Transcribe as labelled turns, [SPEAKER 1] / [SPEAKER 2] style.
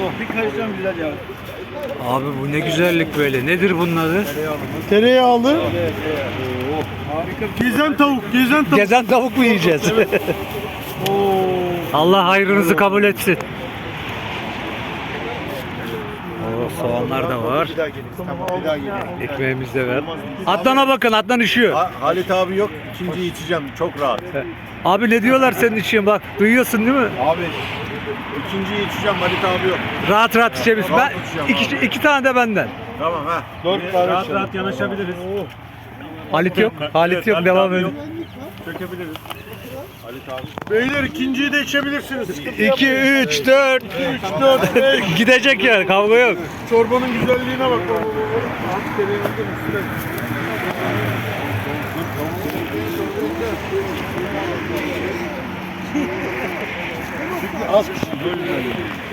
[SPEAKER 1] Bir karışacağım güzel ya.
[SPEAKER 2] Abi bu ne güzellik böyle. Nedir bunun adı?
[SPEAKER 3] Tereyağlı.
[SPEAKER 1] Harika.
[SPEAKER 3] Gezen tavuk, gezen tavuk.
[SPEAKER 2] Gezen tavuk mu yiyeceğiz? Allah hayrınızı kabul etsin. Oo, soğanlar da var.
[SPEAKER 4] Bir daha geliriz. Tamam, bir daha geliriz.
[SPEAKER 2] Ekmeğimiz de var. Adnan'a bakın, Adnan üşüyor.
[SPEAKER 4] Halit abi yok. İkinciyi içeceğim. Çok rahat.
[SPEAKER 2] Abi ne diyorlar senin için, bak duyuyorsun değil mi?
[SPEAKER 4] Abi ikinciyi içeceğim. Halit abi yok.
[SPEAKER 2] Rahat rahat içebilirsin. Ben
[SPEAKER 4] Rahat içeceğim
[SPEAKER 2] iki tane de benden.
[SPEAKER 4] Tamam ha.
[SPEAKER 1] Rahat rahat yanaşabiliriz.
[SPEAKER 2] Halit yok. Halit yok. Devam edin.
[SPEAKER 1] Çökebiliriz.
[SPEAKER 3] Beyler ikinciyi de içebilirsiniz.
[SPEAKER 2] 2, 3, 4.
[SPEAKER 3] 3, 4, 5.
[SPEAKER 2] Gidecek yani, kavga yok.
[SPEAKER 3] Çorbanın güzelliğine bak.
[SPEAKER 4] Az kişi böyle.